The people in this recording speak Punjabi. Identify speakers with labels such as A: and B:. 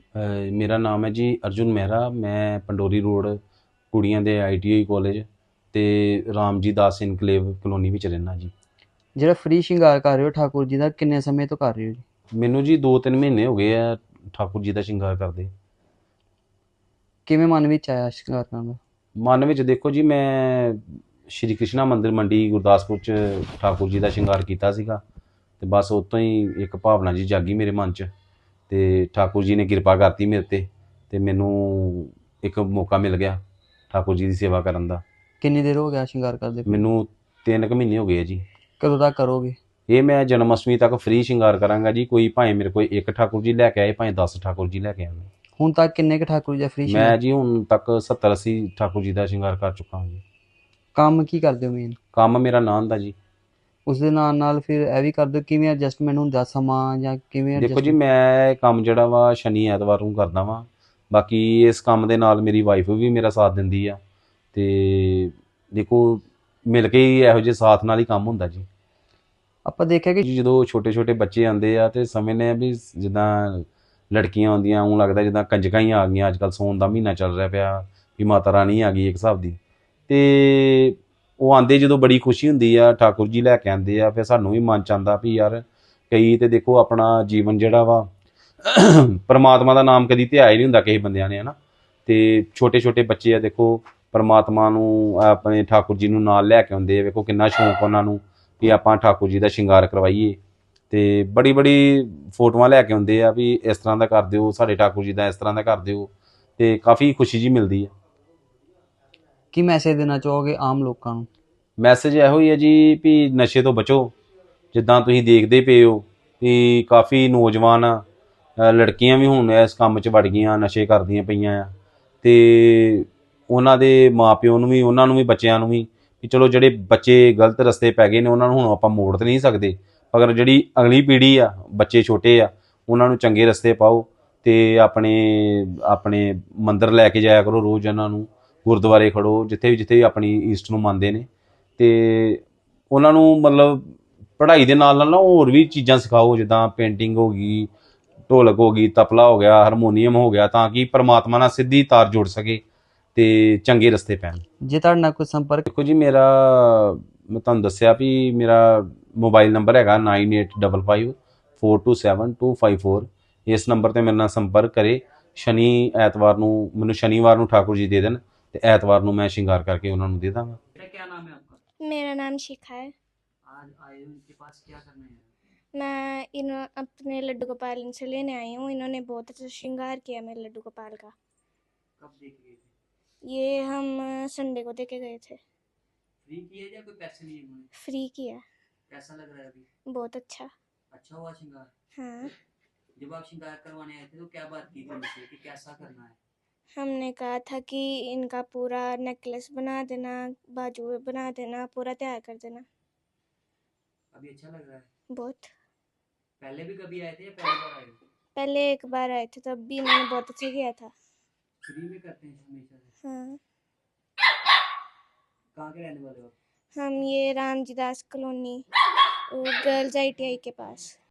A: ਮੇਰਾ ਨਾਮ ਹੈ ਜੀ ਅਰਜੁਨ ਮਹਿਰਾ। ਮੈਂ ਪੰਡੋਰੀ ਰੋਡ ਕੁੜੀਆਂ ਦੇ ITI ਕਾਲਜ ਤੇ ਰਾਮ ਜੀ ਦਾਸ ਇਨਕਲੇਵ ਕਲੋਨੀ ਵਿੱਚ ਰਹਿਣਾ ਜੀ।
B: ਜਿਹੜਾ ਫ੍ਰੀ ਸ਼ਿੰਗਾਰ ਕਰ ਰਹੇ ਹੋ ਠਾਕੁਰ ਜੀ ਦਾ, ਕਿੰਨੇ ਸਮੇਂ ਤੋਂ ਕਰ ਰਹੇ ਹੋ ਜੀ?
A: ਮੈਨੂੰ ਜੀ 2-3 ਮਹੀਨੇ ਹੋ ਗਏ ਆ ਠਾਕੁਰ ਜੀ ਦਾ ਸ਼ਿੰਗਾਰ ਕਰਦੇ।
B: ਕਿਵੇਂ ਮਨ ਵਿੱਚ ਆਇਆ ਸ਼ਿੰਗਾਰ ਕਰਨ ਦਾ?
A: ਮਨ ਵਿੱਚ ਦੇਖੋ ਜੀ, ਮੈਂ ਸ਼੍ਰੀ ਕ੍ਰਿਸ਼ਨਾ ਮੰਦਿਰ ਮੰਡੀ ਗੁਰਦਾਸਪੁਰ 'ਚ ਠਾਕੁਰ ਜੀ ਦਾ ਸ਼ਿੰਗਾਰ ਕੀਤਾ ਸੀਗਾ ਤੇ ਬਸ ਉਤੋਂ ਹੀ ਇੱਕ ਭਾਵਨਾ ਜੀ ਜਾਗੀ ਮੇਰੇ ਮਨ 'ਚ ਤੇ ਠਾਕੁਰ ਜੀ ਨੇ ਕਿਰਪਾ ਕਰਤੀ ਮੇਰੇ ਤੇ ਮੈਨੂੰ ਇੱਕ ਮੌਕਾ ਮਿਲ ਗਿਆ ਠਾਕੁਰ ਜੀ ਦੀ ਸੇਵਾ ਕਰਨ ਦਾ।
B: ਕਿੰਨੀ ਦੇਰ ਹੋ ਗਿਆ ਸ਼ਿੰਗਾਰ ਕਰਦੇ ਪਏ?
A: ਮੈਨੂੰ 3 ਕੁ ਮਹੀਨੇ ਹੋ ਗਏ ਆ ਜੀ।
B: ਕਦੋਂ ਤੱਕ ਕਰੋਗੇ?
A: ਇਹ ਮੈਂ ਜਨਮ ਅਸ਼ਟਮੀ ਤੱਕ ਫ੍ਰੀ ਸ਼ਿੰਗਾਰ ਕਰਾਂਗਾ ਜੀ। ਕੋਈ ਭਾਵੇਂ ਮੇਰੇ ਕੋਲ ਇੱਕ ਠਾਕੁਰ ਜੀ ਲੈ ਕੇ ਆਏ, ਭਾਵੇਂ 10 ਠਾਕੁਰ ਜੀ ਲੈ ਕੇ ਆਉਣ।
B: ਹੁਣ ਤੱਕ ਕਿੰਨੇ ਕੁ ਠਾਕੁਰ ਜੀ ਦਾ ਫ੍ਰੀ ਸ਼ਿੰਗਾਰ?
A: ਮੈਂ ਜੀ ਹੁਣ ਤੱਕ 70-80 ਠਾਕੁਰ ਜੀ ਦਾ ਸ਼ਿੰਗਾਰ ਕਰ ਚੁੱਕਾ ਹਾਂ ਜੀ।
B: ਕੰਮ ਕੀ ਕਰਦੇ ਹੋ ਮੇਨ?
A: ਕੰਮ ਮੇਰਾ ਨਾਨ ਦਾ ਜੀ।
B: ਉਸ ਦੇ ਨਾਲ ਨਾਲ ਫਿਰ ਇਹ ਵੀ ਕਰਦੇ ਹੋ, ਕਿਵੇਂ ਐਡਜਸਟਮੈਂਟ ਹੁੰਦਾ ਸਮਾਂ ਜਾਂ ਕਿਵੇਂ
A: ਦੇਖੋ ਜੀ,
B: ਐਡਜਸਟਮੈਂਟ?
A: ਮੈਂ ਇਹ ਕੰਮ ਜਿਹੜਾ ਵਾ ਸ਼ਨੀ ਐਤਵਾਰ ਨੂੰ ਕਰਦਾ ਵਾਂ। ਬਾਕੀ ਇਸ ਕੰਮ ਦੇ ਨਾਲ ਮੇਰੀ ਵਾਈਫ ਵੀ ਮੇਰਾ ਸਾਥ ਦਿੰਦੀ ਆ ਤੇ ਦੇਖੋ ਮਿਲ ਕੇ ਹੀ ਇਹੋ ਜਿਹੇ ਸਾਥ ਨਾਲ ਹੀ ਕੰਮ ਹੁੰਦਾ ਜੀ।
B: ਆਪਾਂ ਦੇਖਿਆ ਕਿ
A: ਜੀ ਜਦੋਂ ਛੋਟੇ ਛੋਟੇ ਬੱਚੇ ਆਉਂਦੇ ਆ ਤੇ ਸਮਝਦੇ ਆ ਵੀ ਜਿੱਦਾਂ ਲੜਕੀਆਂ ਆਉਂਦੀਆਂ ਉਹ ਲੱਗਦਾ ਜਿੱਦਾਂ ਕੰਜਕਾਂ ਹੀ ਆ ਗਈਆਂ। ਅੱਜ ਕੱਲ੍ਹ ਸੌਣ ਦਾ ਮਹੀਨਾ ਚੱਲ ਰਿਹਾ ਪਿਆ ਵੀ ਮਾਤਾ ਰਾਣੀ ਆ ਗਈ ਇੱਕ ਹਿਸਾਬ ਦੀ। ਤੇ ਉਹ ਆਉਂਦੇ ਜਦੋਂ ਬੜੀ ਖੁਸ਼ੀ ਹੁੰਦੀ ਆ, ਠਾਕੁਰ ਜੀ ਲੈ ਕੇ ਆਉਂਦੇ ਆ, ਫਿਰ ਸਾਨੂੰ ਵੀ ਮਨ ਚ ਆਉਂਦਾ ਵੀ ਯਾਰ ਕਈ ਤੇ ਦੇਖੋ ਆਪਣਾ ਜੀਵਨ ਜਿਹੜਾ ਵਾ ਪਰਮਾਤਮਾ ਦਾ ਨਾਮ ਕਦੀ ਧਿਆਇਆ ਹੀ ਨਹੀਂ ਹੁੰਦਾ ਕਿਸੇ ਬੰਦਿਆਂ ਨੇ, ਹੈ ਨਾ। ਤੇ ਛੋਟੇ ਛੋਟੇ ਬੱਚੇ ਆ ਦੇਖੋ ਪਰਮਾਤਮਾ ਨੂੰ ਆਪਣੇ ਠਾਕੁਰ ਜੀ ਨੂੰ ਨਾਲ ਲੈ ਕੇ ਆਉਂਦੇ ਆ। ਵੇਖੋ ਕਿੰਨਾ ਸ਼ੌਂਕ ਉਹਨਾਂ ਨੂੰ ਵੀ ਆਪਾਂ ਠਾਕੁਰ ਜੀ ਦਾ ਸ਼ਿੰਗਾਰ ਕਰਵਾਈਏ ਤੇ ਬੜੀ ਬੜੀ ਫੋਟੋਆਂ ਲੈ ਕੇ ਆਉਂਦੇ ਆ ਵੀ ਇਸ ਤਰ੍ਹਾਂ ਦਾ ਕਰ ਦਿਓ, ਸਾਡੇ ਠਾਕੁਰ ਜੀ ਦਾ ਇਸ ਤਰ੍ਹਾਂ ਦਾ ਕਰ ਦਿਓ ਤੇ ਕਾਫੀ ਖੁਸ਼ੀ ਜੀ ਮਿਲਦੀ ਹੈ।
B: ਕੀ ਮੈਸੇਜ ਦੇਣਾ ਚਾਹੋਗੇ ਆਮ ਲੋਕਾਂ ਨੂੰ?
A: ਮੈਸੇਜ ਇਹੋ ਹੀ ਹੈ ਜੀ ਵੀ ਨਸ਼ੇ ਤੋਂ ਬਚੋ। ਜਿੱਦਾਂ ਤੁਸੀਂ ਦੇਖਦੇ ਪਏ ਹੋ ਵੀ ਕਾਫੀ ਨੌਜਵਾਨ ਲੜਕੀਆਂ ਵੀ ਹੁਣ ਇਸ ਕੰਮ 'ਚ ਵੜ ਗਈਆਂ, ਨਸ਼ੇ ਕਰਦੀਆਂ ਪਈਆਂ ਆ। ਤੇ ਉਹਨਾਂ ਦੇ ਮਾਪਿਓ ਨੂੰ ਵੀ, ਉਹਨਾਂ ਨੂੰ ਵੀ, ਬੱਚਿਆਂ ਨੂੰ ਵੀ ਚਲੋ ਜਿਹੜੇ ਬੱਚੇ ਗਲਤ ਰਸਤੇ ਪੈ ਗਏ ਨੇ ਉਹਨਾਂ ਨੂੰ ਹੁਣ ਆਪਾਂ ਮੋੜ ਤਾਂ ਨਹੀਂ ਸਕਦੇ, ਮਗਰ ਜਿਹੜੀ ਅਗਲੀ ਪੀੜ੍ਹੀ ਆ, ਬੱਚੇ ਛੋਟੇ ਆ, ਉਹਨਾਂ ਨੂੰ ਚੰਗੇ ਰਸਤੇ ਪਾਓ ਤੇ ਆਪਣੇ ਆਪਣੇ ਮੰਦਿਰ ਲੈ ਕੇ ਜਾਇਆ ਕਰੋ ਰੋਜ਼। ਉਹਨਾਂ ਨੂੰ ਗੁਰਦੁਆਰੇ ਖੜੋ, ਜਿੱਥੇ ਵੀ ਆਪਣੀ ਈਸਟ ਨੂੰ ਮੰਨਦੇ ਨੇ ਤੇ ਉਹਨਾਂ ਨੂੰ ਮਤਲਬ ਪੜ੍ਹਾਈ ਦੇ ਨਾਲ ਨਾਲ ਨਾ ਹੋਰ ਵੀ ਚੀਜ਼ਾਂ ਸਿਖਾਓ, ਜਿੱਦਾਂ ਪੇਂਟਿੰਗ ਹੋ ਗਈ, ਢੋਲਕ ਹੋ ਗਈ, ਤਬਲਾ ਹੋ ਗਿਆ, ਹਾਰਮੋਨੀਅਮ ਹੋ ਗਿਆ, ਤਾਂ ਕਿ ਪਰਮਾਤਮਾ ਨਾਲ ਸਿੱਧੀ ਤਾਰ ਜੁੜ ਸਕੇ ਤੇ ਚੰਗੇ ਰਸਤੇ ਪੈਣ।
B: ਜੇ ਤੁਹਾਡੇ ਨਾਲ ਕੋਈ ਸੰਪਰਕ?
A: ਦੇਖੋ ਜੀ, ਮੇਰਾ ਮੈਂ ਤੁਹਾਨੂੰ ਦੱਸਿਆ ਵੀ ਮੇਰਾ ਮੋਬਾਈਲ ਨੰਬਰ ਹੈਗਾ 9855427254। ਇਸ ਨੰਬਰ 'ਤੇ ਮੇਰੇ ਨਾਲ ਸੰਪਰਕ ਕਰੇ। ਸ਼ਨੀ ਐਤਵਾਰ ਨੂੰ ਮੈਨੂੰ ਸ਼ਨੀਵਾਰ ਨੂੰ ਠਾकुर जी दे देन ਤੇ ਐਤਵਾਰ ਨੂੰ ਮੈਂ ਸ਼ਿੰਗਾਰ ਕਰਕੇ ਉਹਨਾਂ ਨੂੰ ਦੇ ਦਾਂਗਾ।
C: क्या नाम है आपका?
D: मेरा नाम शिखा है।
C: आज आए हो इनके पास, क्या करना है?
D: मैं अपने लड्डू गोपाल इनसे लेने आई हूँ। इन्होंने बहुत अच्छा श्रृंगार किया मेरे लड्डू गोपाल का।
C: कब देख गए थे?
D: ये हम संडे को देके गए थे।
C: फ्री किया या कोई पैसे लिए उन्होंने?
D: फ्री किया।
C: कैसा लग रहा है अभी?
D: बहुत अच्छा।
C: अच्छा हुआ श्रृंगार?
D: हाँ।
C: जब आप श्रृंगार करवाने आए थे तो क्या बात की थी उनसे कि कैसा करना है?
D: हमने कहा था कि इनका पूरा नेकलेस बना देना, बाजू बना देना, पूरा तैयार कर देना।
C: अभी अच्छा लग रहा है?
D: बहुत।
C: पहले भी कभी आए थे या पहली बार आए हो?
D: पहले एक बार आए थे, तब भी इन्होंने बहुत अच्छा किया था।
C: फ्री में करते हैं हमेशा से?
D: हाँ।
C: कहाँ के रहने वाले हो आप?
D: हम ये Ram ji Das colony girls ITI के पास।